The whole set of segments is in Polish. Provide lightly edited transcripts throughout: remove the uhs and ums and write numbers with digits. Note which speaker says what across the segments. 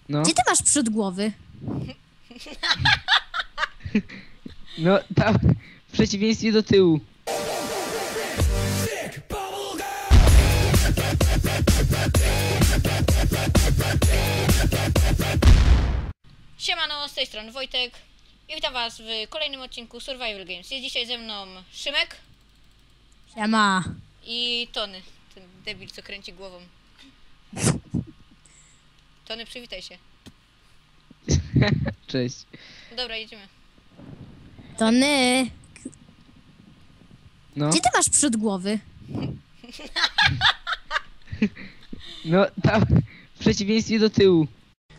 Speaker 1: No.
Speaker 2: Gdzie ty masz przód głowy?
Speaker 1: No, tam w przeciwieństwie do tyłu.
Speaker 3: Siemano, z tej strony Wojtek i witam was w kolejnym odcinku Survival Games. Jest dzisiaj ze mną Szymek
Speaker 2: Siema.
Speaker 3: i Tony, ten debil, co kręci głową. Tony, przywitaj się.
Speaker 1: Cześć.
Speaker 3: Dobra, jedziemy.
Speaker 2: Tony.
Speaker 1: No.
Speaker 2: Gdzie ty masz przód głowy?
Speaker 1: No, tam w przeciwieństwie do tyłu.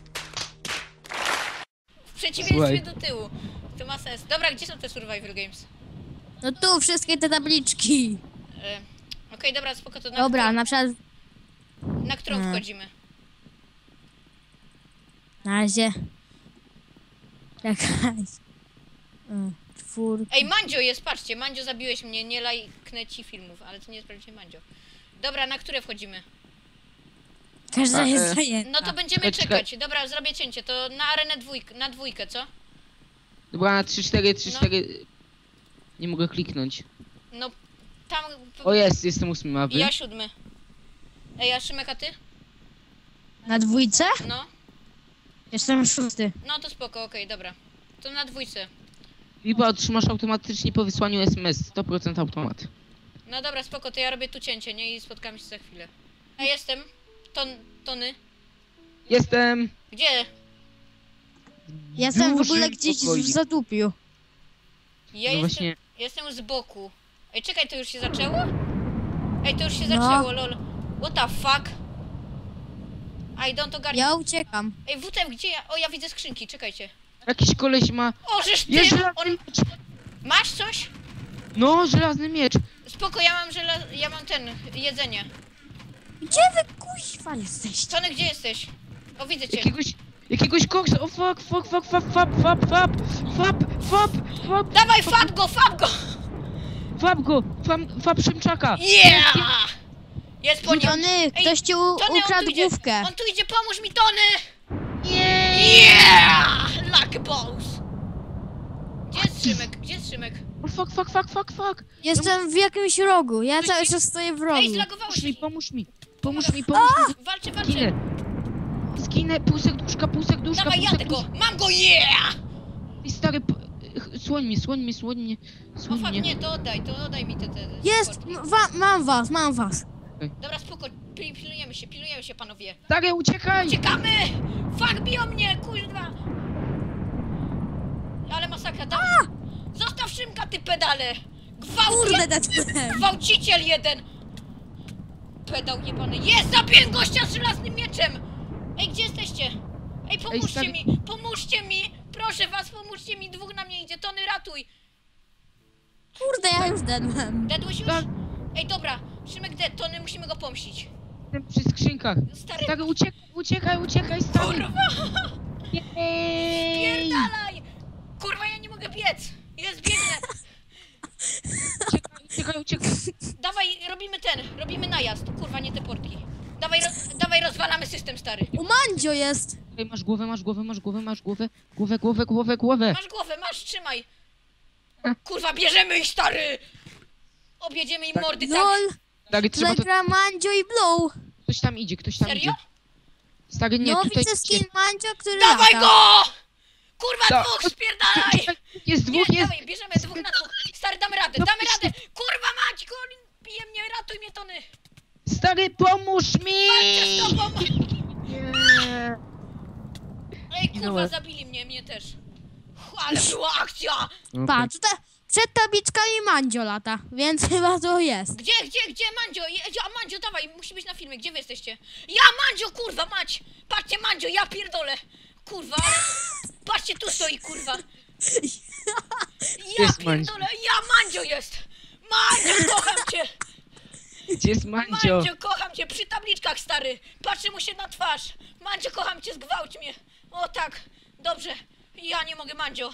Speaker 3: W przeciwieństwie
Speaker 1: Słuchaj.
Speaker 3: do tyłu. To ma sens. Dobra, gdzie są te Survival Games?
Speaker 2: No tu wszystkie te tabliczki.
Speaker 3: Okej, dobra, spoko, to
Speaker 2: Dobra, na przykład
Speaker 3: na którą wchodzimy?
Speaker 2: na razie. Czekaj. Czwórka.
Speaker 3: Ej, Mandzio jest, patrzcie, Mandzio, zabiłeś mnie, nie lajknę ci filmów, ale to nie jest prawdziwie Mandzio. Dobra, na które wchodzimy?
Speaker 2: Każda jest
Speaker 3: No
Speaker 2: zajęta.
Speaker 3: to będziemy
Speaker 1: Czekaj.
Speaker 3: czekać. Dobra, zrobię cięcie, to na arenę na dwójkę, co?
Speaker 1: Dobra, na 3-4, 3-4. Nie mogę kliknąć.
Speaker 3: No, tam...
Speaker 1: O, jestem 8, a wy?
Speaker 3: Ja 7. Ej, a Szymek, a ty?
Speaker 2: Na dwójce?
Speaker 3: No.
Speaker 2: Jestem 6.
Speaker 3: No to spoko, okej, dobra. To na dwójce.
Speaker 1: Lipa otrzymasz automatycznie po wysłaniu SMS. 100% automat.
Speaker 3: No dobra, spoko, to ja robię tu cięcie, nie? I spotkamy się za chwilę. A jestem. Tony.
Speaker 1: Jestem!
Speaker 3: Gdzie?
Speaker 2: Jestem w ogóle
Speaker 1: Dużym
Speaker 2: gdzieś
Speaker 1: pokoju.
Speaker 2: w zatupiu.
Speaker 3: Ja
Speaker 1: No
Speaker 3: jestem,
Speaker 1: właśnie.
Speaker 3: jestem z boku. Ej, czekaj, to już się zaczęło? Ej, to już się
Speaker 2: No.
Speaker 3: zaczęło, lol. What the fuck? I don't ogarniam.
Speaker 2: Ja uciekam.
Speaker 3: Ej, WTF, gdzie ja? O, ja widzę skrzynki, czekajcie.
Speaker 1: Jakiś koleś ma...
Speaker 3: O, żeż ty!
Speaker 1: Jest żelazny
Speaker 3: On...
Speaker 1: miecz!
Speaker 3: Masz coś?
Speaker 1: No, żelazny miecz!
Speaker 3: Spoko, ja mam ten, jedzenie.
Speaker 2: Gdzie wy kuźwa jesteście?
Speaker 3: Tony, gdzie jesteś? O, widzę cię.
Speaker 1: Jakiegoś koksa! O, fuck!
Speaker 3: Dawaj, fab go!
Speaker 1: Fab Szymczaka!
Speaker 3: Yeah! Jest po nim.
Speaker 2: Tony,
Speaker 3: Ej,
Speaker 2: ktoś ci
Speaker 3: Tony, on
Speaker 2: ukradł
Speaker 3: tu idzie.
Speaker 2: główkę.
Speaker 3: On tu idzie, pomóż mi, Tony!
Speaker 1: Yeah!
Speaker 3: Yeah! Lucky balls! Gdzie jest Szymek? Gdzie jest Szymek?
Speaker 1: O, fuck!
Speaker 2: Jestem w jakimś rogu. Ja cały czas stoję w rogu.
Speaker 3: Ej, zlagowałeś się.
Speaker 1: Pomóż mi!
Speaker 3: Walczę.
Speaker 1: Zginę, pół serduszka,
Speaker 3: Dawaj, jadę go! Mam go, yeah!
Speaker 1: I stary, słoń mnie.
Speaker 3: O fuck, nie, to oddaj mi te
Speaker 2: Jest!
Speaker 3: sporty.
Speaker 2: Mam was.
Speaker 3: Dobra, spoko, pilnujemy się, panowie.
Speaker 1: Stary, uciekaj!
Speaker 3: Uciekamy! Fuck, biją mnie, kurwa! Ale masakra, Zostaw Szymka, ty pedale!
Speaker 2: Kurde, Deadman.
Speaker 3: Gwałciciel jeden! Pedał jebany. Jest! Zabiłem gościa z żelaznym mieczem! Ej, gdzie jesteście? Ej,
Speaker 1: stary-
Speaker 3: Pomóżcie mi! Proszę was, pomóżcie mi! Dwóch na mnie idzie! Tony, ratuj!
Speaker 2: Kurde, ja już Deadman.
Speaker 3: Dedłeś już?
Speaker 1: Tak.
Speaker 3: Ej, dobra! Szymek dead, Tony, musimy go pomścić.
Speaker 1: Jestem przy skrzynkach.
Speaker 3: Stary,
Speaker 1: Stary, uciekaj, stary!
Speaker 3: kurwa!
Speaker 1: Jej!
Speaker 3: Pierdalaj! Kurwa, ja nie mogę biec! Jest, biegnę!
Speaker 1: Uciekaj!
Speaker 3: Robimy najazd. Kurwa, nie te portki. Dawaj, rozwalamy system, stary.
Speaker 2: U Mandzio jest.
Speaker 1: Ej, masz głowę.
Speaker 3: Masz głowę, trzymaj. Kurwa, bierzemy ich, stary! Objedziemy im mordy, tak?
Speaker 2: LOL.
Speaker 1: Stary, trzeba to...
Speaker 2: Zagra Mandzio i Blow.
Speaker 1: Ktoś tam idzie.
Speaker 3: Serio?
Speaker 1: Stary, nie,
Speaker 2: No
Speaker 1: tutaj...
Speaker 2: widzę skin Mandzio, który
Speaker 3: Dawaj
Speaker 2: lata.
Speaker 3: go! Kurwa,
Speaker 1: Da-
Speaker 3: dwóch, spierdalaj!
Speaker 1: Jest dwóch, jest!
Speaker 3: Dawaj, bierzemy dwóch na dwóch. Stary, damy radę! Kurwa mać, bije mnie, ratuj mnie, Tony!
Speaker 1: Stary, pomóż mi!
Speaker 3: Walczę z tobą!
Speaker 1: Nie.
Speaker 3: Ej, kurwa,
Speaker 1: Zginąłem.
Speaker 3: zabili mnie też. Ale była akcja!
Speaker 2: Patrz, tutaj przed tabliczkami Mandzio lata, więc chyba to jest.
Speaker 3: Gdzie, Mandzio? Mandzio, dawaj, musi być na filmie, gdzie wy jesteście? Ja, Mandzio, kurwa, mać! Patrzcie, Mandzio, ja pierdolę! Kurwa, ale... Patrzcie, tu stoi, kurwa! Ja
Speaker 1: Jest Mandzio.
Speaker 3: pierdolę, Mandzio jest! Mandzio, kocham cię!
Speaker 1: Gdzie jest Mandzio?
Speaker 3: Mandzio, kocham cię, przy tabliczkach, stary! Patrzę mu się na twarz! Mandzio, kocham cię, zgwałć mnie! O tak, dobrze, ja nie mogę, Mandzio!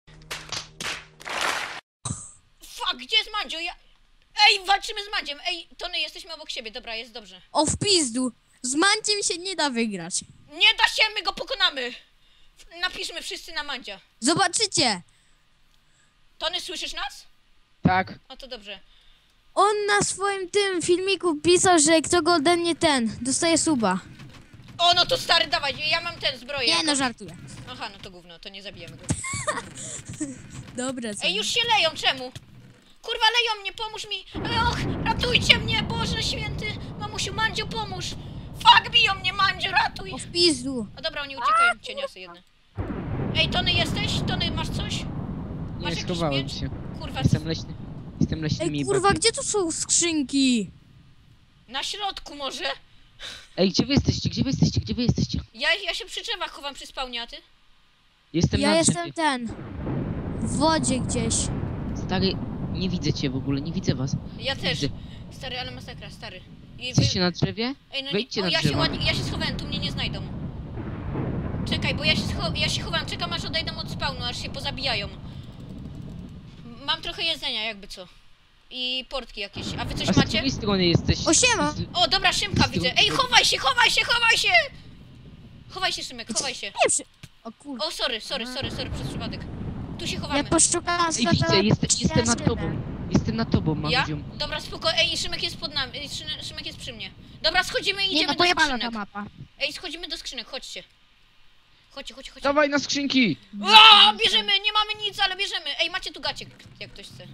Speaker 3: Fuck, gdzie jest Mandzio? Ej, walczymy z Mandziem! Ej, Tony, jesteśmy obok siebie, dobra, jest dobrze.
Speaker 2: O w pizdu. Z Mandziem się nie da wygrać.
Speaker 3: Nie da się, my go pokonamy! mamy. Napiszmy wszyscy na Mandzia.
Speaker 2: Zobaczycie!
Speaker 3: Tony, słyszysz nas?
Speaker 1: Tak.
Speaker 3: O, to dobrze.
Speaker 2: On na swoim tym filmiku pisał, że kto go ode mnie dostaje suba.
Speaker 3: O, no to stary, dawaj, ja mam ten zbroję.
Speaker 2: Nie no, żartuję.
Speaker 3: Aha, no to gówno, to nie zabijemy go.
Speaker 2: Dobra, co?
Speaker 3: Ej, już się leją, czemu? Kurwa, leją mnie, pomóż mi! Och, ratujcie mnie, Boże Święty! Mamusiu, Mandzio, pomóż! Fuck, biją mnie, Mandzio, ratuj!
Speaker 2: O w pizdu.
Speaker 3: O dobra, oni uciekają, cieniasy jedne. Ej, Tony, jesteś? Tony, masz coś? Masz
Speaker 1: Nie,
Speaker 3: jakiś
Speaker 1: schowałem
Speaker 3: miecz?
Speaker 1: się.
Speaker 3: Kurwa,
Speaker 1: Jestem leśny. Jestem leśnymi
Speaker 2: Ej, kurwa,
Speaker 1: bagiem.
Speaker 2: gdzie tu są skrzynki?
Speaker 3: na środku może?
Speaker 1: Ej, gdzie wy jesteście? Gdzie wy jesteście? Gdzie wy jesteście?
Speaker 3: Ja się przy drzewach chowam przy spawnie, a ty?
Speaker 1: Jestem
Speaker 2: Ja
Speaker 1: na
Speaker 2: jestem
Speaker 1: drzewie.
Speaker 2: w wodzie gdzieś.
Speaker 1: Stary, nie widzę cię w ogóle, nie widzę was.
Speaker 3: Ja też.
Speaker 1: Widzę.
Speaker 3: Stary, ale masakra, stary. I
Speaker 1: Jesteście na drzewie?
Speaker 3: Ej, no
Speaker 1: Wejdźcie
Speaker 3: o,
Speaker 1: na
Speaker 3: ja się
Speaker 1: drzewo.
Speaker 3: ładnie, ja się schowałem, tu mnie nie znajdą. Czekaj, bo ja się chowam, czekam aż odejdą od spawnu, aż się pozabijają. Mam trochę jedzenia, jakby co. I portki jakieś. A wy coś
Speaker 1: A z
Speaker 3: macie?
Speaker 1: której strony jesteś?
Speaker 2: O, siema.
Speaker 3: O, dobra, Szymka widzę. Ej, chowaj się, chowaj się, chowaj się! Chowaj się, Szymek, chowaj się.
Speaker 2: Nie przy... O kurwa.
Speaker 3: O, sorry, przez przypadek. Tu się
Speaker 2: Ja
Speaker 3: chowamy.
Speaker 2: poszukałam
Speaker 1: Ej, widzę, jestem nad tobą. Jestem nad tobą,
Speaker 3: Ja?
Speaker 1: Mandziu.
Speaker 3: Dobra, spoko. Ej, Szymek jest pod nami. Ej, Szymek jest przy mnie. Dobra, schodzimy i
Speaker 2: Nie
Speaker 3: idziemy
Speaker 2: no,
Speaker 3: do
Speaker 2: pojebana ta
Speaker 3: skrzynek.
Speaker 2: mapa.
Speaker 3: Ej, schodzimy do skrzynek, chodźcie. Chodźcie.
Speaker 1: Dawaj na skrzynki!
Speaker 3: O, bierzemy, nie mamy nic, ale bierzemy. Ej, macie tu gacie, jak ktoś chce.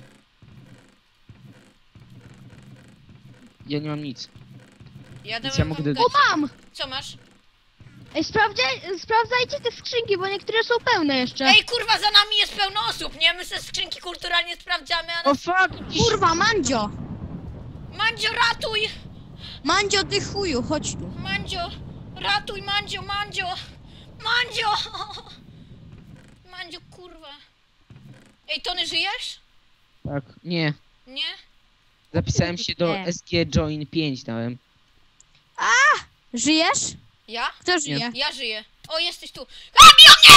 Speaker 1: Ja nie mam nic.
Speaker 3: Ja
Speaker 1: Więc
Speaker 3: dałem
Speaker 1: ja mogę
Speaker 3: wam
Speaker 1: dodać.
Speaker 3: gacie.
Speaker 4: Mam!
Speaker 3: Co masz?
Speaker 4: Ej, sprawdzajcie te skrzynki, bo niektóre są pełne jeszcze.
Speaker 3: Ej, kurwa, za nami jest pełno osób, nie? My se skrzynki kulturalnie sprawdzamy, a
Speaker 1: O
Speaker 3: nas...
Speaker 1: fuck!
Speaker 2: Kurwa, Mandzio!
Speaker 3: Mandzio, ratuj!
Speaker 2: Mandzio, ty chuju, chodź tu.
Speaker 3: Mandzio, ratuj, Mandzio! Mandzio! Mandzio, kurwa. Ej, Tony, żyjesz?
Speaker 1: Tak, nie.
Speaker 3: Nie?
Speaker 1: Zapisałem się do
Speaker 2: Nie.
Speaker 1: SG Join 5 dałem.
Speaker 2: Żyjesz?
Speaker 3: Ja?
Speaker 2: Kto żyje?
Speaker 3: Ja żyję. O, jesteś tu. A, biją mnie!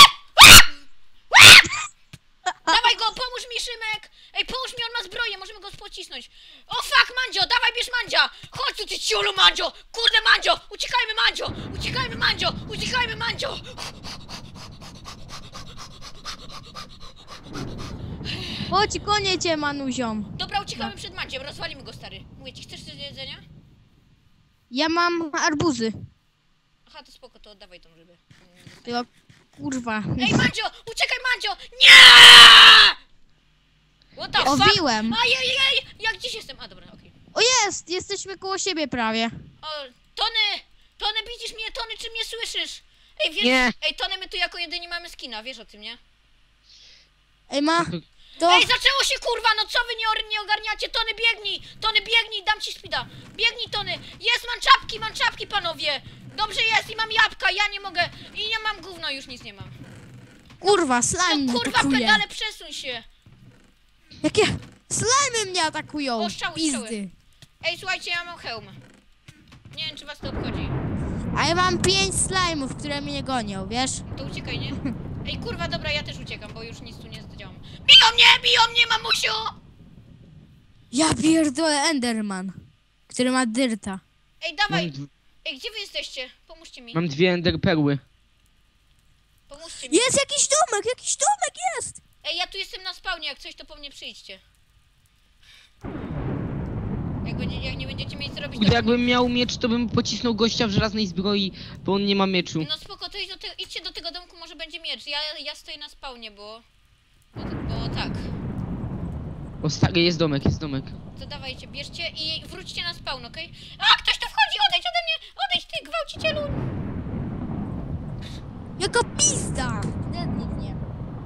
Speaker 3: Dawaj go, pomóż mi, Szymek! Ej, pomóż mi, on ma zbroję, możemy go pocisnąć. O, fuck, Mandzio, dawaj, bierz Mandzia! Chodź tu, ty ciulu, Mandzio! Kurde, Mandzio! Uciekajmy, Mandzio! Uciekajmy, Mandzio! Uciekajmy, Mandzio!
Speaker 2: Chodź, konie cię, Manuziom.
Speaker 3: Dobra, uciekamy przed Mandziem, rozwalimy go, stary. Mówię ci, chcesz coś do jedzenia?
Speaker 2: Ja mam arbuzy.
Speaker 3: Aha, to spoko, to oddawaj tą rybę.
Speaker 2: Tylko, kurwa.
Speaker 3: Ej, Mandzio! Uciekaj, Mandzio! Nie! What the fuck?
Speaker 2: Owiłem.
Speaker 3: Ajajaj! Jak gdzieś jestem? A, dobra, okej.
Speaker 2: O jest! Jesteśmy koło siebie prawie.
Speaker 3: O, Tony, widzisz mnie? Tony, czy mnie słyszysz? Ej, wiesz,
Speaker 1: Nie.
Speaker 3: Ej, Tony, my tu jako jedyni mamy skina, wiesz o tym, nie?
Speaker 2: Ej, to...
Speaker 3: Ej, zaczęło się, kurwa, no co wy nie ogarniacie? Tony, biegnij, dam ci speeda. Biegnij, Tony. Jest, mam czapki, panowie. Dobrze jest i mam jabłka, ja nie mogę. I nie mam gówno, już nic nie mam.
Speaker 2: Kurwa, slime
Speaker 3: No
Speaker 2: mnie
Speaker 3: kurwa,
Speaker 2: atakuje.
Speaker 3: pedale, przesuń się.
Speaker 2: Jakie slimy mnie atakują.
Speaker 3: O, strzały.
Speaker 2: Pizdy.
Speaker 3: Ej, słuchajcie, ja mam hełm. Nie wiem, czy was to obchodzi.
Speaker 2: A ja mam 5 slime'ów, które mnie gonią, wiesz?
Speaker 3: To uciekaj, nie? Ej, kurwa, dobra, ja też uciekam, bo już nic tu nie zdziałam. Biją mnie, mamusiu!
Speaker 2: Ja pierdolę Enderman, który ma dyrta.
Speaker 3: Ej, dawaj.
Speaker 1: Mam,
Speaker 3: Ej, gdzie wy jesteście? Pomóżcie mi.
Speaker 1: mam 2 ender perły.
Speaker 3: Pomóżcie mi.
Speaker 2: Jest jakiś domek jest!
Speaker 3: Ej, ja tu jestem na spawnie, jak coś to po mnie przyjdźcie. Jak nie będziecie mieli co robić,
Speaker 1: Kurde,
Speaker 3: to...
Speaker 1: jakbym miał miecz, to bym pocisnął gościa w żelaznej zbroi, bo on nie ma mieczu.
Speaker 3: No spoko, to idźcie do tego domku, może będzie miecz. Ja stoję na spawnie, bo tak.
Speaker 1: O stary, jest domek.
Speaker 3: To dawajcie, bierzcie i wróćcie na spawn, okej? A, ktoś tu wchodzi, odejdź ode mnie! Odejdź, ty gwałcicielu!
Speaker 2: Jaka pizda! Nic nie.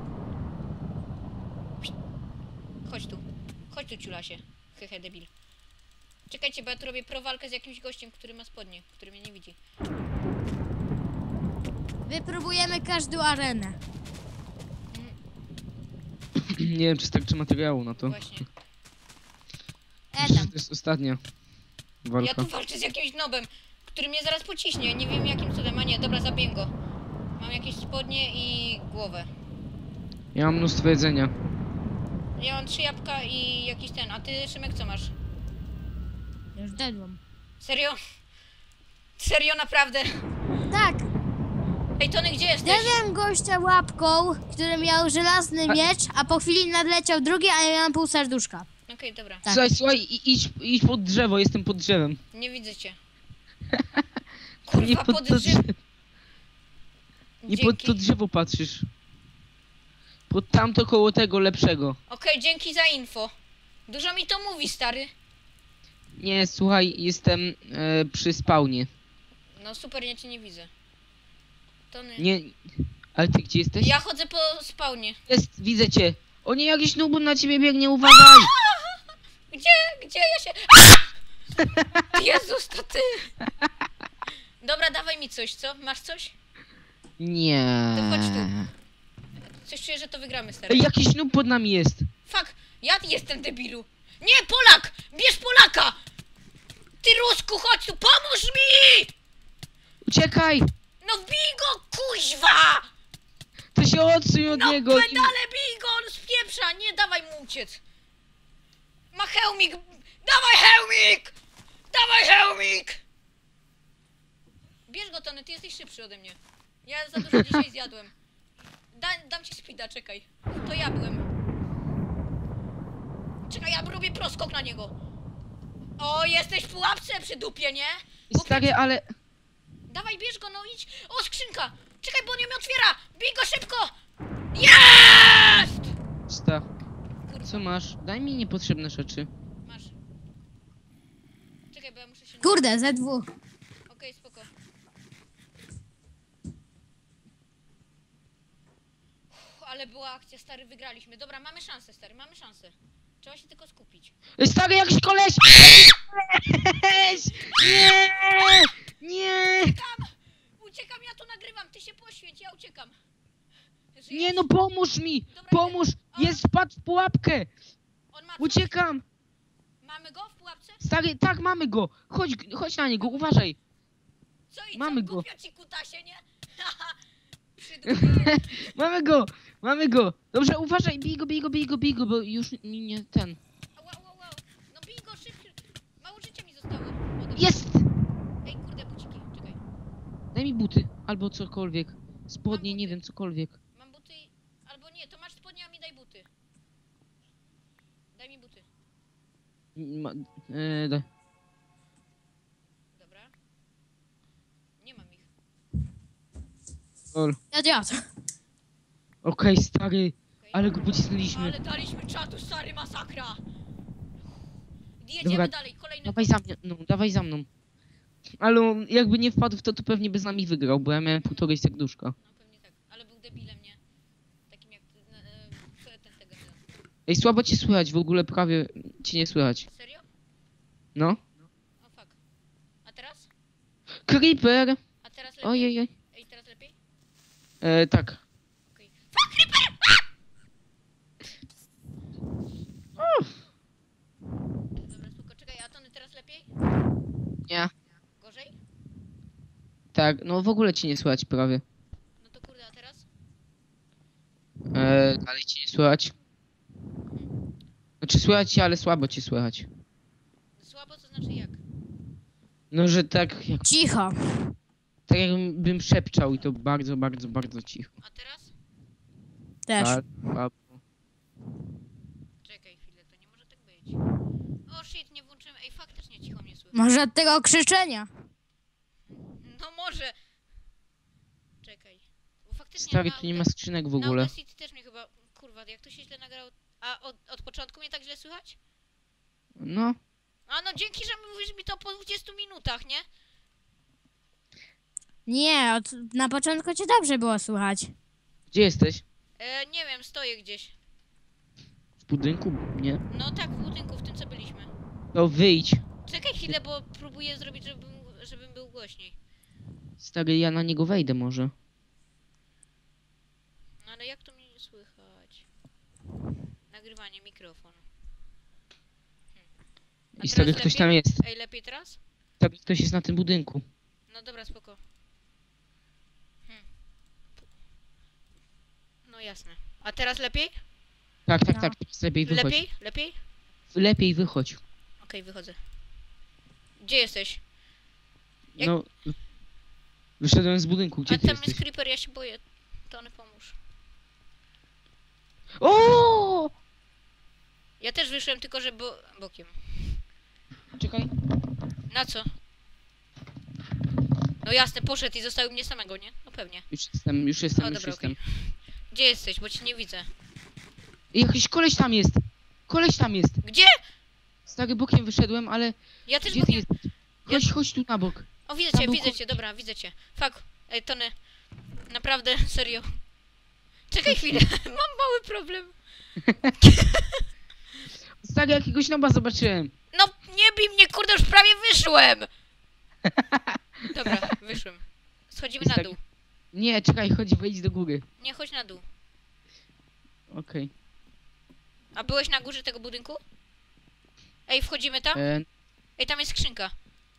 Speaker 3: Chodź tu, ciulasie. Hehe, debil. Czekajcie, bo ja tu robię prowalkę z jakimś gościem, który ma spodnie, który mnie nie widzi.
Speaker 2: Wypróbujemy każdą arenę.
Speaker 1: Nie wiem, czy starczy materiału na to.
Speaker 3: Właśnie.
Speaker 1: Myślę, że
Speaker 2: Tam.
Speaker 1: to jest ostatnia
Speaker 3: Ja
Speaker 1: walka.
Speaker 3: tu walczę z jakimś nobem, który mnie zaraz pociśnie. Nie wiem jakim cudem, a nie, dobra, zabiję go. Mam jakieś spodnie i głowę.
Speaker 1: Ja mam mnóstwo jedzenia.
Speaker 3: Ja mam 3 jabłka i jakiś ten, a ty, Szymek, co masz?
Speaker 2: Już dedłam.
Speaker 3: Serio? Serio, naprawdę?
Speaker 2: Tak!
Speaker 3: Ej, Tony, gdzie jesteś?
Speaker 2: Zjadłem gościa łapką, który miał żelazny miecz, a po chwili nadleciał drugi, a ja miałam pół serduszka.
Speaker 3: Okej, dobra.
Speaker 2: Tak.
Speaker 1: Słuchaj, idź pod drzewo, jestem pod drzewem.
Speaker 3: Nie widzę cię.
Speaker 1: Nie
Speaker 3: Kurwa,
Speaker 1: pod
Speaker 3: pod
Speaker 1: to
Speaker 3: drzew.
Speaker 1: drzewo. Nie pod to drzewo patrzysz. Pod tamto koło tego lepszego.
Speaker 3: Okej, dzięki za info. Dużo mi to mówi, stary.
Speaker 1: Nie, słuchaj, jestem przy spawnie.
Speaker 3: No super, ja cię nie widzę. Tony.
Speaker 1: Nie, ale ty gdzie jesteś?
Speaker 3: Ja chodzę po spawnie.
Speaker 1: Jest, widzę cię. O nie, jakiś nubun na ciebie biegnie, uważaj!
Speaker 3: Gdzie ja się... Jezus, to ty! Dobra, dawaj mi coś, co? Masz coś?
Speaker 1: Nie.
Speaker 3: To chodź tu. Coś czuję, że to wygramy, stary.
Speaker 1: Ej, jakiś nub pod nami jest.
Speaker 3: Fuck, ja jestem debilu. Nie, Polak! Bierz Polaka! Ty Rusku, chodź tu, pomóż mi!
Speaker 1: Uciekaj!
Speaker 3: No wbij go, kuźwa!
Speaker 1: To się odsuń od
Speaker 3: No
Speaker 1: niego.
Speaker 3: pedale bij go, on spieprza, nie dawaj mu uciec. Ma hełmik, dawaj hełmik! Dawaj hełmik! Bierz go, Tony, ty jesteś szybszy ode mnie. Ja za dużo dzisiaj zjadłem. Dam ci speeda, czekaj. To ja byłem. Czekaj, ja robię proskok na niego. O, jesteś w pułapce przy dupie, nie?
Speaker 1: Stary, ale...
Speaker 3: Dawaj, bierz go, no idź. O, skrzynka! Czekaj, bo on ją otwiera! Bij go szybko! Jest!
Speaker 1: Sta. Co masz? Daj mi niepotrzebne rzeczy.
Speaker 3: Masz. Czekaj, bo ja muszę się...
Speaker 2: Kurde, Z2.
Speaker 3: Okej, spoko. Ale była akcja, stary, wygraliśmy. Dobra, mamy szansę, stary, mamy szansę. Trzeba się tylko skupić.
Speaker 1: Stary, jakiś koleś! Koleś! Nie! Nie!
Speaker 3: Uciekam, ja to nagrywam, ty się poświęć, ja uciekam. Żyjesz?
Speaker 1: Nie no, pomóż mi!
Speaker 3: Dobra,
Speaker 1: Pomóż! Jest, wpadł w pułapkę!
Speaker 3: On ma coś?
Speaker 1: Uciekam!
Speaker 3: Mamy go w pułapce?
Speaker 1: Stary, tak, mamy go! Chodź na niego, uważaj!
Speaker 3: Co i
Speaker 1: Mamy
Speaker 3: co,
Speaker 1: go.
Speaker 3: głupio ci kutasie, nie? Przydupie.
Speaker 1: Mamy go! Mamy go! Dobrze, uważaj, bij go, bo już mi nie ten.
Speaker 3: Wow. No bij go szybciej. Mało życia mi zostało.
Speaker 1: Jest!
Speaker 3: Ej, kurde, buciki, czekaj.
Speaker 1: Daj mi buty, albo cokolwiek. Spodnie, nie wiem, cokolwiek.
Speaker 3: Mam buty, albo nie, to masz spodnie, a mi daj buty. Daj mi buty.
Speaker 1: Daj.
Speaker 3: Dobra. Nie mam ich.
Speaker 2: Dziad.
Speaker 1: Okej, stary,
Speaker 3: Okej.
Speaker 1: ale go pocisnęliśmy.
Speaker 3: Ale daliśmy czatu, stary, masakra. Jedziemy
Speaker 1: Dobra,
Speaker 3: dalej, kolejny.
Speaker 1: Dawaj za mną. Ale jakby nie wpadł w to, to pewnie by z nami wygrał, bo ja miałem półtorej serduszka.
Speaker 3: No pewnie tak, ale był debilem, nie? Takim jak tego.
Speaker 1: Ej, słabo cię słychać, w ogóle prawie cię nie słychać.
Speaker 3: Serio?
Speaker 1: No.
Speaker 3: O fuck. A teraz?
Speaker 1: Creeper!
Speaker 3: A teraz lepiej?
Speaker 1: Ojej.
Speaker 3: Ej, teraz lepiej?
Speaker 1: Tak.
Speaker 3: Okej. Fuck, creeper! Dobra, spoko, czekaj, a Tony teraz lepiej?
Speaker 1: Nie.
Speaker 3: Gorzej?
Speaker 1: Tak, no w ogóle cię nie słychać prawie.
Speaker 3: No to kurde, a teraz?
Speaker 1: Dalej cię nie słychać. Znaczy słychać cię, ale słabo cię słychać.
Speaker 3: Słabo, to znaczy jak?
Speaker 1: No, że tak
Speaker 2: Cicho.
Speaker 1: jakbym szepczał i to bardzo, bardzo, bardzo cicho.
Speaker 3: A teraz?
Speaker 2: Też.
Speaker 1: Tak, słabo.
Speaker 3: Czekaj chwilę, to nie może tak być. O shit, nie włączyłem. Ej, faktycznie cicho mnie słychać.
Speaker 2: Może od tego krzyczenia.
Speaker 3: No może. Czekaj. Bo faktycznie
Speaker 1: Stary,
Speaker 3: na
Speaker 1: tu nie ma skrzynek w ogóle.
Speaker 3: Na City też mnie chyba... Kurwa, jak to się źle nagrało... A od początku mnie tak źle słychać?
Speaker 1: No.
Speaker 3: A no dzięki, że mówisz mi to po 20 minutach, nie?
Speaker 2: Nie, na początku cię dobrze było słychać.
Speaker 1: Gdzie jesteś?
Speaker 3: Nie wiem, stoję gdzieś.
Speaker 1: W budynku? Nie.
Speaker 3: No tak, w budynku, w tym co byliśmy.
Speaker 1: No wyjdź.
Speaker 3: Czekaj chwilę, bo próbuję zrobić, żebym był głośniej.
Speaker 1: Stary, ja na niego wejdę może.
Speaker 3: No ale jak to mnie nie słychać? Nagrywanie, mikrofon. A
Speaker 1: I stary,
Speaker 3: teraz
Speaker 1: ktoś
Speaker 3: lepiej?
Speaker 1: tam jest.
Speaker 3: Ej, lepiej teraz?
Speaker 1: Stary, ktoś jest na tym budynku.
Speaker 3: No dobra, spoko. No jasne. A teraz lepiej?
Speaker 1: Tak,
Speaker 2: No.
Speaker 1: teraz lepiej wychodź.
Speaker 3: Lepiej? Lepiej?
Speaker 1: Lepiej wychodź.
Speaker 3: Okej, wychodzę. Gdzie jesteś? Jak-
Speaker 1: No, Wyszedłem z budynku, gdzie
Speaker 3: A
Speaker 1: ty
Speaker 3: tam
Speaker 1: jesteś?
Speaker 3: jest creeper, ja się boję. Tony, pomóż.
Speaker 1: O!
Speaker 3: Ja też wyszłem, tylko że bokiem.
Speaker 1: Czekaj.
Speaker 3: Na co? No jasne, poszedł i zostawił mnie samego, nie? No pewnie.
Speaker 1: Już jestem,
Speaker 3: O,
Speaker 1: już
Speaker 3: dobra,
Speaker 1: jestem.
Speaker 3: Gdzie jesteś? Bo cię nie widzę.
Speaker 1: Jakiś koleś tam jest! Koleś tam jest!
Speaker 3: Gdzie?
Speaker 1: Stary, bokiem wyszedłem, ale...
Speaker 3: Ja też
Speaker 1: Gdzie ty
Speaker 3: bokiem.
Speaker 1: jesteś? Chodź tu na bok.
Speaker 3: O, widzę
Speaker 1: Tam
Speaker 3: cię,
Speaker 1: był
Speaker 3: widzę cię, dobra, widzę cię. Fuck. Ej, Tony. Naprawdę, serio. Czekaj chwilę, mam mały problem.
Speaker 1: Stary, jakiegoś noba zobaczyłem.
Speaker 3: No, nie bij mnie, kurde, już prawie wyszłem! Dobra, wyszłem. Schodzimy
Speaker 1: Jest
Speaker 3: na
Speaker 1: tak-
Speaker 3: dół.
Speaker 1: Nie, czekaj, chodź, wejdź do góry.
Speaker 3: Nie, chodź na dół.
Speaker 1: Okej.
Speaker 3: A byłeś na górze tego budynku? Ej, wchodzimy tam? Ej, tam jest skrzynka.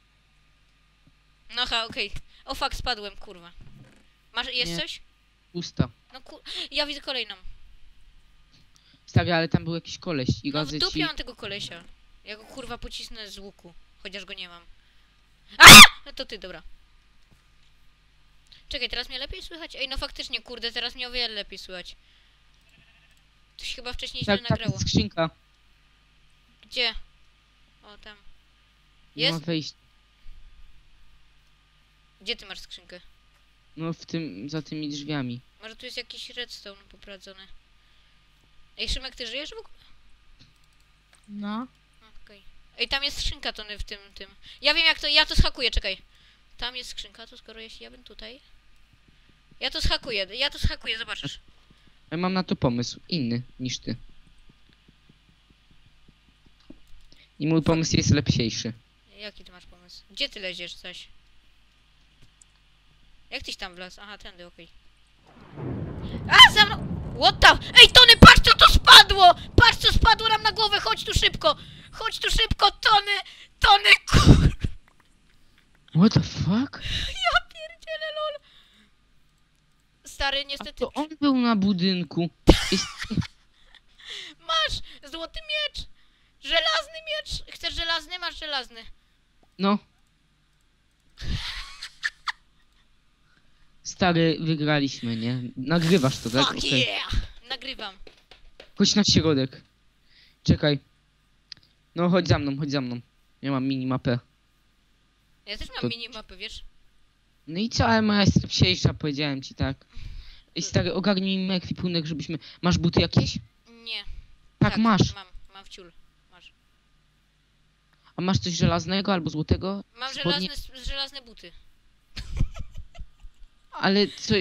Speaker 3: No ha, okej. O fuck, spadłem, kurwa. Jest
Speaker 1: Nie.
Speaker 3: coś?
Speaker 1: Pusta.
Speaker 3: No ja widzę kolejną.
Speaker 1: Stary, ale tam był jakiś koleś i
Speaker 3: No w
Speaker 1: radzę
Speaker 3: dupie
Speaker 1: ci...
Speaker 3: mam tego kolesia. Ja go kurwa pocisnę z łuku. Chociaż go nie mam. A! No to ty, dobra. Czekaj, teraz mnie lepiej słychać? Ej, no faktycznie, kurde, teraz mnie o wiele lepiej słychać. To się chyba wcześniej źle
Speaker 1: Tak, tak,
Speaker 3: nagrało.
Speaker 1: jest skrzynka.
Speaker 3: Gdzie? O, tam.
Speaker 1: Nie ma
Speaker 3: Jest?
Speaker 1: wejść.
Speaker 3: Gdzie ty masz skrzynkę?
Speaker 1: No w tym, za tymi drzwiami.
Speaker 3: Może tu jest jakiś redstone poprowadzony. Ej, Szymek, ty żyjesz w ogóle?
Speaker 2: No.
Speaker 3: Okej. Ej, tam jest skrzynka, Tony, w tym. Ja wiem jak to, ja to schakuję, czekaj. Tam jest skrzynka, to skoro jeśli ja bym tutaj... Ja to schakuję, zobaczysz.
Speaker 1: Ja mam na to pomysł, inny niż ty. I mój pomysł jest lepsiejszy.
Speaker 3: Jaki ty masz pomysł? Gdzie ty leziesz coś? Jak tyś tam wlazł? Aha, tędy, okej. A, za mną! What the... Ej, Tony, patrz co to spadło! Patrz co spadło nam na głowę, chodź tu szybko! Chodź tu szybko, Tony! Tony, kur...
Speaker 1: What the fuck?
Speaker 3: Ja pierdzielę, lol! Stary,
Speaker 1: A
Speaker 3: niestety...
Speaker 1: to on był na budynku. Jest...
Speaker 3: Masz złoty miecz! Żelazny miecz! Chcesz żelazny? Masz żelazny.
Speaker 1: No. Stary, wygraliśmy, nie? Nagrywasz to, tak?
Speaker 3: Fuck
Speaker 1: Okej.
Speaker 3: yeah! Nagrywam.
Speaker 1: Chodź na środek. Czekaj. No, chodź za mną, chodź za mną. Ja mam minimapę.
Speaker 3: Ja też mam
Speaker 1: To-
Speaker 3: minimapę, wiesz?
Speaker 1: No i co, ale moja jest lepsiejsza, powiedziałem ci, tak. Ej, stary, ogarnij mi ekwipunek, żebyśmy... Masz buty jakieś?
Speaker 3: Nie.
Speaker 1: Tak, masz.
Speaker 3: Mam w ciul. Masz.
Speaker 1: A masz coś żelaznego albo złotego?
Speaker 3: Mam
Speaker 1: Spodnie?
Speaker 3: żelazne buty.
Speaker 1: Ale co...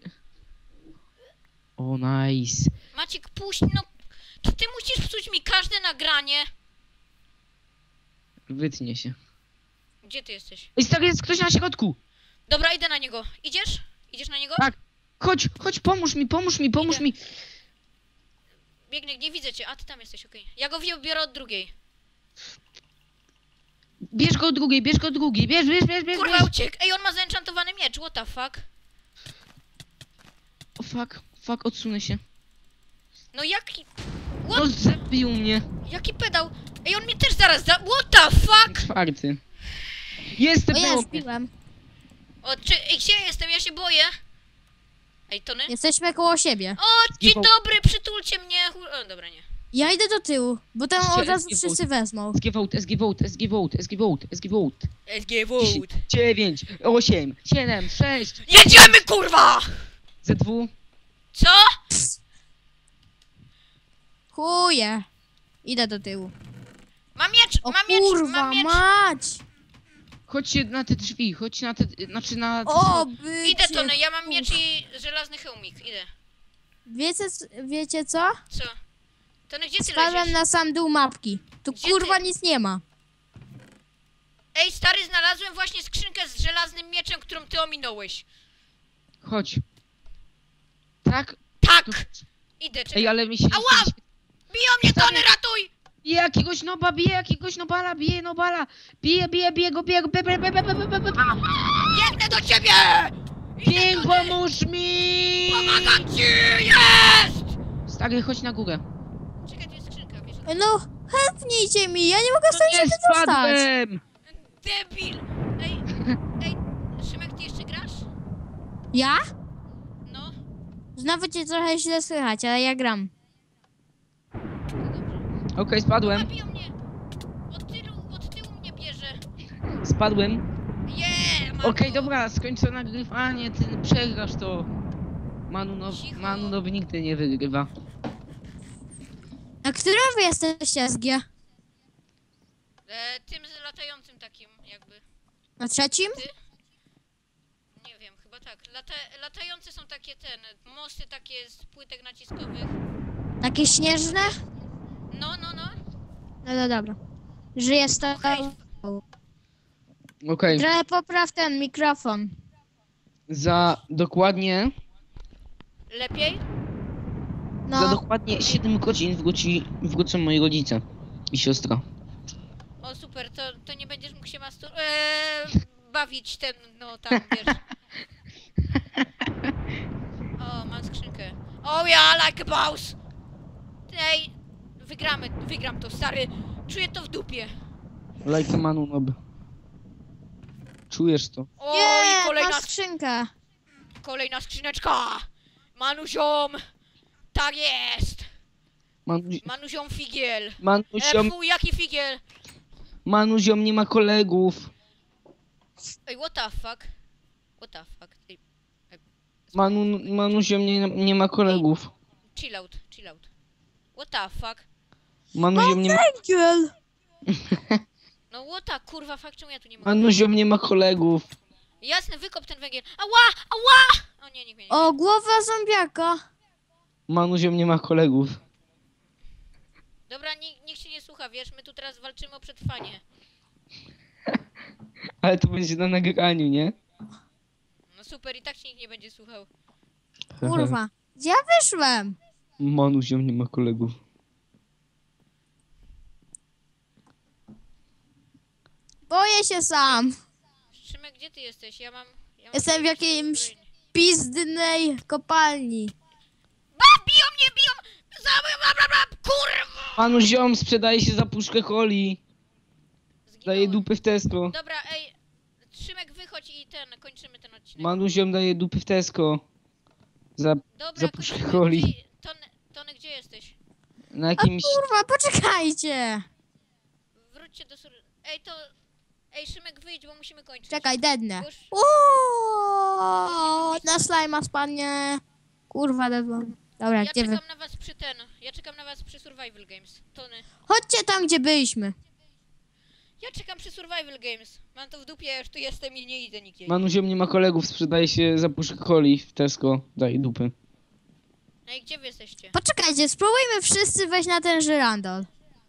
Speaker 1: O, nice.
Speaker 3: Maciek, puść, no... To ty musisz psuć mi każde nagranie.
Speaker 1: Wytnie się.
Speaker 3: Gdzie ty jesteś?
Speaker 1: Ej, stary, jest ktoś na środku!
Speaker 3: Dobra, idę na niego. Idziesz? Idziesz na niego?
Speaker 1: Tak. Chodź, pomóż mi.
Speaker 3: Idę. Biegnę, nie widzę cię. A, ty tam jesteś, okej. Ja go biorę od drugiej.
Speaker 1: Bierz go drugiej, bierz.
Speaker 3: Kurwa, uciekł. Ej, on ma zenchantowany miecz, what the fuck?
Speaker 1: O, fuck, odsunę się.
Speaker 3: No jaki...
Speaker 1: No, zabił mnie.
Speaker 3: Jaki pedał? Ej, on mnie też zaraz what the fuck?
Speaker 1: Czwarty. Jestem,
Speaker 2: O, ja
Speaker 1: było
Speaker 2: już
Speaker 1: mnie.
Speaker 2: piłem.
Speaker 3: O, ej, gdzie jestem? Ja się boję. Ej, Tony?
Speaker 2: Jesteśmy koło siebie.
Speaker 3: O, dzień
Speaker 1: Zgiwał.
Speaker 3: dobry, przytulcie mnie. O, dobra, nie.
Speaker 2: Ja idę do tyłu, bo tam
Speaker 1: Jeszcze
Speaker 2: od razu
Speaker 1: SG
Speaker 2: wszyscy wezmą.
Speaker 1: SG vote.
Speaker 3: SG Vote.
Speaker 1: 9, 8, 7, 6,
Speaker 3: Jedziemy, kurwa!
Speaker 1: ZW.
Speaker 3: Co?
Speaker 2: Chuje. Idę do tyłu.
Speaker 3: Mam miecz,
Speaker 2: O
Speaker 3: mam miecz,
Speaker 2: kurwa,
Speaker 3: mam miecz.
Speaker 2: mać!
Speaker 1: Chodźcie na te drzwi, chodź na te, znaczy na...
Speaker 2: O, bycie.
Speaker 3: Idę, Tony, ja mam miecz i żelazny hełmik, idę.
Speaker 2: Wiecie co?
Speaker 3: Co? Tony, gdzie ty
Speaker 2: Spadłem
Speaker 3: leżysz?
Speaker 2: na sam dół mapki. Tu
Speaker 3: Gdzie
Speaker 2: kurwa
Speaker 3: ty?
Speaker 2: nic nie ma.
Speaker 3: Ej, stary, znalazłem właśnie skrzynkę z żelaznym mieczem, którą ty ominąłeś.
Speaker 1: Chodź. Tak?
Speaker 3: Tak!
Speaker 1: Tu...
Speaker 3: Idę, czekaj.
Speaker 1: Ej, ale mi się...
Speaker 3: Ała! Biją mnie,
Speaker 1: Stary.
Speaker 3: Tony, ratuj!
Speaker 1: Bije jakiegoś noba, bije nobala. Bije go,
Speaker 3: Biegnę do ciebie!
Speaker 1: Pięk, pomóż mi!
Speaker 3: Pomagam ci! Jest!
Speaker 1: Stary, chodź na górę.
Speaker 3: Czekaj, tu jest skrzynka, wiesz?
Speaker 2: No, helpnijcie mi, ja nie mogę stąd się
Speaker 1: Nie
Speaker 2: wydostać.
Speaker 1: spadłem!
Speaker 3: Debil! Ej, Szymek, ty jeszcze grasz?
Speaker 2: Ja?
Speaker 3: No,
Speaker 2: Znowu cię trochę źle słychać, ale ja gram.
Speaker 3: to dobrze.
Speaker 1: Okej, spadłem.
Speaker 3: Zabiją mnie! Od tyłu mnie bierze.
Speaker 1: Spadłem.
Speaker 3: Mam
Speaker 1: Okej,
Speaker 3: go.
Speaker 1: dobra, skończę nagrywanie, ty przegrasz to.
Speaker 3: Cicho.
Speaker 1: Manunowy nigdy nie wygrywa.
Speaker 2: Na którym wy jesteście, SG?
Speaker 3: Tym z latającym takim jakby.
Speaker 2: Na trzecim?
Speaker 3: Nie wiem, chyba tak. Latające są takie mosty takie z płytek naciskowych.
Speaker 2: Takie śnieżne?
Speaker 3: No.
Speaker 2: No dobra. Żyję z
Speaker 3: Okej.
Speaker 2: tego.
Speaker 1: Okej,
Speaker 2: Trochę popraw ten mikrofon.
Speaker 1: za dokładnie...
Speaker 3: Lepiej?
Speaker 1: Za
Speaker 2: No,
Speaker 1: dokładnie 7 godzin wrócą moi rodzice i siostra.
Speaker 3: O super, to nie będziesz mógł się bawić tam, wiesz. O, mam skrzynkę. Oh yeah, like a boss! Ej, wygram to, stary. Czuję to w dupie.
Speaker 1: Like a Manunob. Czujesz to?
Speaker 3: O,
Speaker 2: nie,
Speaker 3: i
Speaker 2: mam skrzynkę.
Speaker 3: kolejna skrzyneczka! Manuziom! Tak jest! Manuziom figiel!
Speaker 1: Manuziom,
Speaker 3: Fuj, jaki figiel!
Speaker 1: Manuziom nie ma kolegów.
Speaker 3: Ej, what the fuck? What the fuck? Ej,
Speaker 1: Manuziom nie ma kolegów.
Speaker 3: chill out. What the fuck?
Speaker 1: Manuziom nie ma...
Speaker 2: Węgiel!
Speaker 3: No what the kurwa fuck, czemu ja tu nie mogę?
Speaker 1: Manuziom nie ma kolegów.
Speaker 3: Jasne, wykop ten węgiel. Ała! O nie, nikt mnie nie.
Speaker 2: O, głowa zombiaka.
Speaker 1: Manuziom nie ma kolegów.
Speaker 3: Dobra, nikt się nie słucha, wiesz, my tu teraz walczymy o przetrwanie.
Speaker 1: Ale to będzie na nagraniu, nie?
Speaker 3: No super, i tak się nikt nie będzie słuchał.
Speaker 2: Kurwa. Gdzie ja wyszłem?
Speaker 1: Manuziom nie ma kolegów.
Speaker 2: Boję się sam.
Speaker 3: Szymek, gdzie ty jesteś? Ja mam
Speaker 2: Jestem w
Speaker 3: tutaj
Speaker 2: jakimś
Speaker 3: uzbrojenie.
Speaker 2: pizdnej kopalni.
Speaker 3: Biją mnie! Kurwa!
Speaker 1: Manuziom sprzedaje się za puszkę coli. Daje
Speaker 3: Zginąłem.
Speaker 1: dupy w Tesco.
Speaker 3: Dobra, ej, Szymek, wychodź i kończymy ten odcinek.
Speaker 1: Manuziom daje dupy w Tesco. Za
Speaker 3: Dobra,
Speaker 1: puszkę
Speaker 3: kończymy.
Speaker 1: coli.
Speaker 3: Tony, gdzie jesteś?
Speaker 1: na
Speaker 2: A
Speaker 1: jakimś...
Speaker 2: kurwa, poczekajcie.
Speaker 3: Wróćcie do Ej, Szymek, wyjdź, bo musimy kończyć.
Speaker 2: Czekaj, dednę.
Speaker 3: Już.
Speaker 2: Uuuu, na slajma spadnie. Kurwa, dedłem. Dobra,
Speaker 3: Ja
Speaker 2: gdzie wy?
Speaker 3: czekam na was Ja czekam na was przy Survival Games. Tony.
Speaker 2: Chodźcie tam, gdzie byliśmy.
Speaker 3: Ja czekam przy Survival Games. Mam to w dupie, ja już tu jestem i nie idę nigdzie.
Speaker 1: Manuziom nie ma kolegów, sprzedaje się za puszkę coli w Tesco. Daje dupy.
Speaker 3: No i gdzie wy jesteście?
Speaker 2: Poczekajcie, spróbujmy wszyscy wejść na ten żyrandol.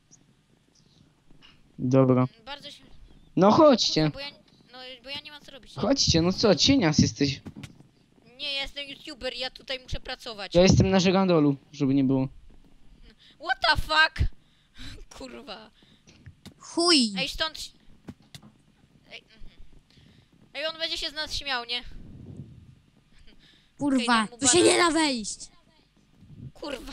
Speaker 1: Dobra.
Speaker 3: Bardzo się...
Speaker 1: No chodźcie.
Speaker 3: Bo ja nie mam co robić.
Speaker 1: Chodźcie, no co, cienias jesteś.
Speaker 3: Nie, ja jestem YouTuber, ja tutaj muszę pracować.
Speaker 1: Ja jestem na żyrandolu, żeby nie było.
Speaker 3: What the fuck? Kurwa.
Speaker 2: Chuj.
Speaker 3: Ej, stąd... Ej, on będzie się z nas śmiał, nie?
Speaker 2: Kurwa,
Speaker 3: dam mu
Speaker 2: tu się
Speaker 3: bana.
Speaker 2: nie da wejść.
Speaker 3: Kurwa.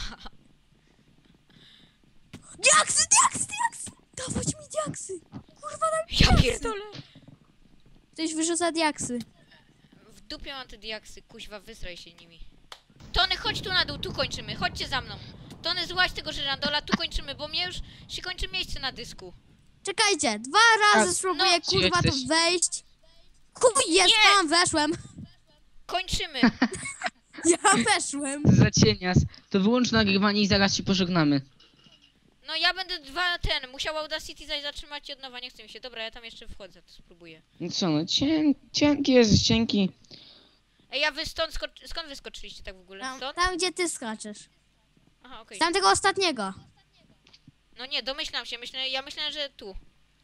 Speaker 2: Diaksy! Dawać mi diaksy. Kurwa, daj mi
Speaker 3: Ja
Speaker 2: diaksy.
Speaker 3: pierdolę.
Speaker 2: Ktoś wyrzuca diaksy.
Speaker 3: W dupie mam te diaksy, kuźwa, wysraj się nimi. Tony, chodź tu na dół, tu kończymy, chodźcie za mną. Tony, złaź tego żyrandola, tu kończymy, bo mnie już się kończy miejsce na dysku.
Speaker 2: Czekajcie, 2 razy
Speaker 1: A,
Speaker 2: spróbuję
Speaker 3: no,
Speaker 2: kurwa tu
Speaker 1: jesteś?
Speaker 2: wejść. Chuj, jest
Speaker 3: Nie.
Speaker 2: tam, weszłem.
Speaker 3: Kończymy.
Speaker 2: Ja weszłem.
Speaker 1: Za cienias. To wyłącz nagrywanie i zaraz się pożegnamy.
Speaker 3: No ja będę musiał Audacity zatrzymać i od nowa, nie chce mi się. Dobra, ja tam jeszcze wchodzę, to spróbuję.
Speaker 1: No co, no cienki jest, cienki.
Speaker 3: Ej, a wy skąd wyskoczyliście tak w ogóle?
Speaker 2: Tam,
Speaker 3: Stąd?
Speaker 2: tam gdzie ty skaczesz.
Speaker 3: Aha, okej.
Speaker 2: Z tamtego ostatniego.
Speaker 3: No nie, domyślam się, ja myślałem, że tu.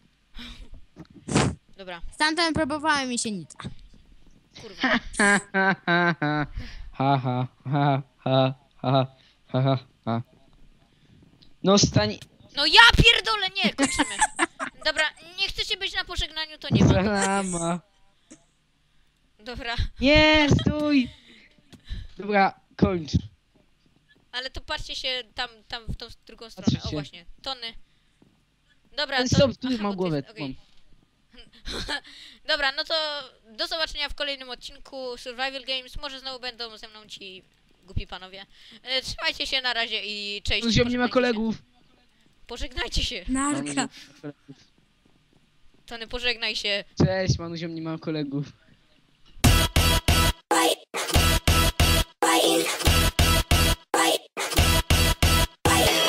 Speaker 3: Dobra,
Speaker 2: Stamtąd próbowałem mi się nic.
Speaker 3: kurwa.
Speaker 1: Ha ha ha ha. Ha ha ha ha ha ha ha ha. No stań...
Speaker 3: No ja pierdolę, nie, kończymy. Dobra, nie chcecie być na pożegnaniu, to nie ma.
Speaker 1: Salama.
Speaker 3: Dobra,
Speaker 1: Nie, stój! Dobra, kończ.
Speaker 3: ale to patrzcie się tam w tą drugą stronę.
Speaker 1: Patrzcie
Speaker 3: O
Speaker 1: się.
Speaker 3: właśnie, Tony. Dobra,
Speaker 1: Ale
Speaker 3: to...
Speaker 1: stop, tu
Speaker 3: aha,
Speaker 1: mam
Speaker 3: bo ty
Speaker 1: głowę.
Speaker 3: jest- okej. Dobra, no to do zobaczenia w kolejnym odcinku Survival Games. Może znowu będą ze mną ci głupi panowie. Trzymajcie się na razie i cześć.
Speaker 1: Manuziom nie ma
Speaker 3: Pożegnajcie
Speaker 1: kolegów.
Speaker 3: się. Pożegnajcie się.
Speaker 2: Narka.
Speaker 3: Tony, pożegnaj się.
Speaker 1: Cześć, Manuziom nie ma kolegów.